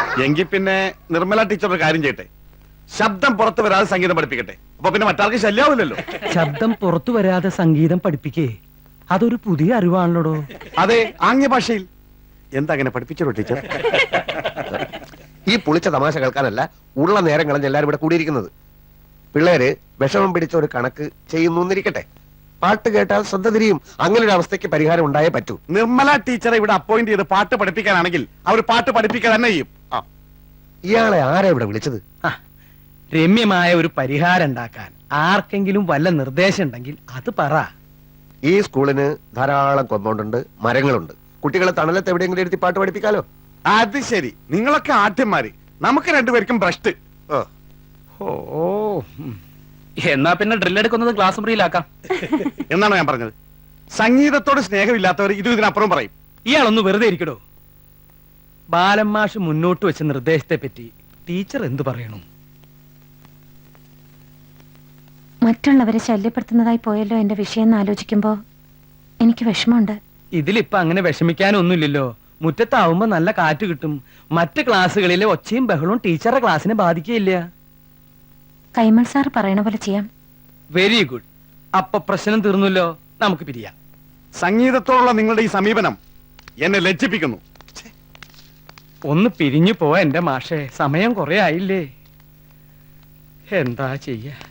എങ്കിൽ പിന്നെ നിർമ്മല ടീച്ചർ ഒരു കാര്യം ചെയ്യട്ടെ, ശബ്ദം പുറത്തു വരാതെ സംഗീതം പഠിപ്പിക്കട്ടെ. അപ്പൊ പിന്നെ മറ്റാൾക്ക് ശല്യാവില്ലല്ലോ. ശബ്ദം പുറത്തു വരാതെ സംഗീതം പഠിപ്പിക്കേ? അതൊരു പുതിയ അറിവാണല്ലോ. അതെ, ആംഗ്യ ഭാഷയിൽ. എന്താ അങ്ങനെ പഠിപ്പിച്ചോ ടീച്ചർ? ഈ പുളിച്ച തമാശ കേൾക്കാനല്ല ഉള്ള നേരം കളഞ്ഞ് എല്ലാരും ഇവിടെ കൂടിയിരിക്കുന്നത്. പിള്ളേര് വിഷമം പിടിച്ച ഒരു കണക്ക് ചെയ്യുന്നു എന്നിരിക്കട്ടെ, പാട്ട് കേട്ടാൽ ശ്രദ്ധ തിരിയും. അങ്ങനെ ഒരു അവസ്ഥയ്ക്ക് പരിഹാരം ഉണ്ടായേ പറ്റൂ. നിർമ്മല ടീച്ചറെ ഇവിടെ അപ്പോയിന്റ് ചെയ്ത് പാട്ട് പഠിപ്പിക്കാനാണെങ്കിൽ അവർ പാട്ട് പഠിപ്പിക്കുക തന്നെ ചെയ്യും. ഇയാളെ ആരാ ഇവിടെ വിളിച്ചത്? രമ്യമായ ഒരു പരിഹാരം ഉണ്ടാക്കാൻ ആർക്കെങ്കിലും വല്ല നിർദ്ദേശം ഉണ്ടെങ്കിൽ അത് പറ. ഈ സ്കൂളിന് ധാരാളം കോമ്പൗണ്ട് ഉണ്ട്, മരങ്ങളുണ്ട്. കുട്ടികളെ തണലത്ത് എവിടെയെങ്കിലും ഇരുത്തി പാട്ട് പഠിപ്പിക്കാലോ. അത് ശരി, നിങ്ങളൊക്കെ ആദ്യന്മാര്, നമുക്ക് രണ്ടുപേർക്കും ഭ്രഷ്ട്. ഓ, എന്നാ പിന്നെ ഡ്രില്ലെടുക്കുന്നത് ക്ലാസ് മുറിയിലാക്കാം എന്നാണ് ഞാൻ പറഞ്ഞത്. സംഗീതത്തോട് സ്നേഹമില്ലാത്തവർ ഇതിനപ്പുറം പറയും. ഇയാളൊന്ന് വെറുതെ ഇരിക്കടോ. ബാലന്മാഷ് മുന്നോട്ട് വെച്ച നിർദ്ദേശത്തെ പറ്റി ടീച്ചർ എന്തു പറയണു? മറ്റുള്ളവരെ ശല്യപ്പെടുത്തുന്നതായി പോയല്ലോ എന്റെ വിഷയം എന്ന് ആലോചിക്കുമ്പോ എനിക്ക് വിഷമമുണ്ട്. ഇതിലിപ്പോ അങ്ങനെ വിഷമിക്കാനൊന്നുമില്ലല്ലോ. മുറ്റത്താവുമ്പോ നല്ല കാറ്റ് കിട്ടും. മറ്റ് ക്ലാസ്സുകളിലെ ഒച്ചയും ബഹളവും ടീച്ചറുടെ ക്ലാസ്സിനെ ബാധിക്കുകയില്ല. കൈമൾ സാർ പറയണ പോലെ ചെയ്യാം. Very good. അപ്പൊ പ്രശ്നം തീർന്നല്ലോ, നമുക്ക് പിരിയാം. സംഗീതത്തോടുള്ള നിങ്ങളുടെ ഈ സമീപനം എന്നെ ലജ്ജിപ്പിക്കുന്നു. ഒന്ന് പിരിഞ്ഞു പോ എന്റെ മാഷേ, സമയം കുറെ ആയില്ലേ. എന്താ ചെയ്യാ?